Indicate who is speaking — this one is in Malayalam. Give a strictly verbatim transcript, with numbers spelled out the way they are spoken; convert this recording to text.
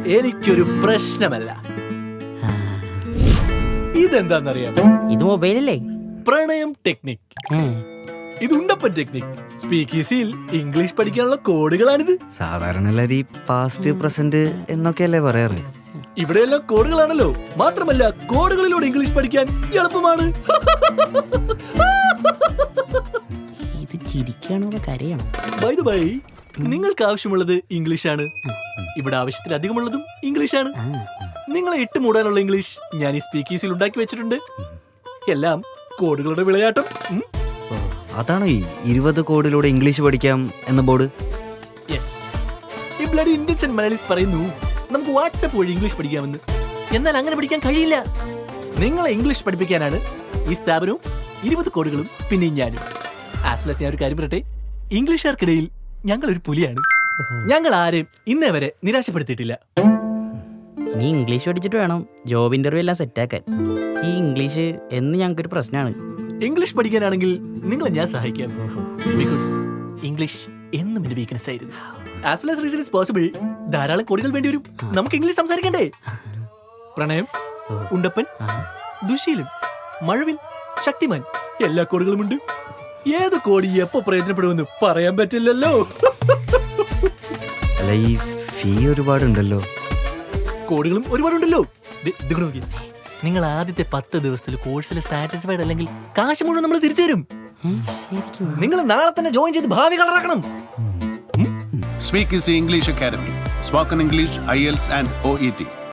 Speaker 1: എനിക്കൊരു പ്രശ്നമല്ല. ഇതെന്താന്നറിയാമോ?
Speaker 2: ഇത് മൊബൈലല്ലേ?
Speaker 1: പ്രണയം ടെക്നിക്. ഇത് ഉണ്ടപ്പൻ ടെക്നിക്. സ്പീക്കീസിൽ ഇംഗ്ലീഷ് പഠിക്കാനുള്ള കോഡുകളാണിത്.
Speaker 3: സാധാരണ എല്ലാവരും പാസ്റ്റ് പ്രസന്റ് എന്നൊക്കെയല്ലേ പറയാറ്.
Speaker 1: ഇവിടെയെല്ലാം കോഡുകളാണല്ലോ. മാത്രമല്ല കോഡുകളിലൂടെ ഇംഗ്ലീഷ് പഠിക്കാൻ എളുപ്പമാണ്.
Speaker 2: ഇത് ചിരിക്കാണോ കരയാണോ?
Speaker 1: ബൈ ദ ബൈ, നിങ്ങൾക്ക് ആവശ്യമുള്ളത് ഇംഗ്ലീഷാണ്. ഇവിടെ ആവശ്യത്തിലധികമുള്ളതും ഇംഗ്ലീഷാണ്. നിങ്ങളെ ഇട്ട് മൂടാനുള്ള ഇംഗ്ലീഷ് ഞാൻ ഈ സ്പീക്കീസിൽ ഉണ്ടാക്കി വെച്ചിട്ടുണ്ട്. എല്ലാം കോഡുകളുടെ വിളയാട്ടം.
Speaker 3: അതാണോ ഈ ഇരുപത് കോഡിലൂടെ ഇംഗ്ലീഷ് പഠിക്കാം എന്ന ബോർഡ്?
Speaker 1: യെസ്. ഈ ബ്ലഡി ഇന്ത്യൻസ് ആൻഡ് മലയാളീസ് പറയുന്നു നമുക്ക് വാട്സാപ്പ് വഴി ഇംഗ്ലീഷ് പഠിക്കാമെന്ന്. എന്നാൽ അങ്ങനെ പഠിക്കാൻ കഴിയില്ല. നിങ്ങളെ ഇംഗ്ലീഷ് പഠിപ്പിക്കാനാണ് ഈ സ്ഥാപനവും ഇരുപത് കോഡുകളും പിന്നെ ഞാനും. ആസ് വെൽ ഞാൻ ഒരു കാര്യം പറയട്ടെ, ഇംഗ്ലീഷുകാർക്കിടയിൽ ഞങ്ങൾ ഒരു പുലിയാണ്. ഞങ്ങൾ ആരെയും ഇന്നേ വരെ നിരാശപ്പെടുത്തിയിട്ടില്ല.
Speaker 2: ഇനി ഇംഗ്ലീഷ് പഠിച്ചിട്ട് വേണം ജോബ് ഇന്റർവ്യൂ എല്ലാം സെറ്റാക്കാൻ. ഈ ഇംഗ്ലീഷ് എന്ന് ഞങ്ങൾക്കൊരു പ്രശ്നമാണ്.
Speaker 1: ഇംഗ്ലീഷ് പഠിക്കാനാണെങ്കിൽ നിങ്ങളെ ഞാൻ സഹായിക്കാം. ബിക്കോസ് ഇംഗ്ലീഷ് എന്നും എന്റെ വീക്ക്നെസ് ആയിരുന്നു. As well as reason is possible. ധാരാളം കോടികൾ വേണ്ടി വരും. നമുക്ക് ഇംഗ്ലീഷ് സംസാരിക്കണ്ടേ? പ്രണയം, ഉണ്ടപ്പൻ, ദുശീലൻ, മഴവിൽ, ശക്തിമാൻ എല്ലാ കോടുകളും ഉണ്ട്. ഏത് കോടി എപ്പോ പ്രയോജനപ്പെടുമെന്ന് പറയാൻ പറ്റില്ലല്ലോ.
Speaker 3: അല്ല, ഈ ഫീ ഒരുപാടുണ്ടല്ലോ.
Speaker 1: കോടുകളും ഒരുപാടുണ്ടല്ലോ. നിങ്ങൾ ആദ്യത്തെ പത്ത് ദിവസത്തിൽ കോഴ്സിൽ സാറ്റിസ്ഫൈഡ് അല്ലെങ്കിൽ കാശ് മുഴുവൻ നമ്മൾ തിരിച്ചു തരും. നിങ്ങൾ നാളെ തന്നെ ജോയിൻ ചെയ്ത് ഭാവി കളറാക്കണം.
Speaker 4: Speak is the English Academy. Spoken English, I E L T S and O E T.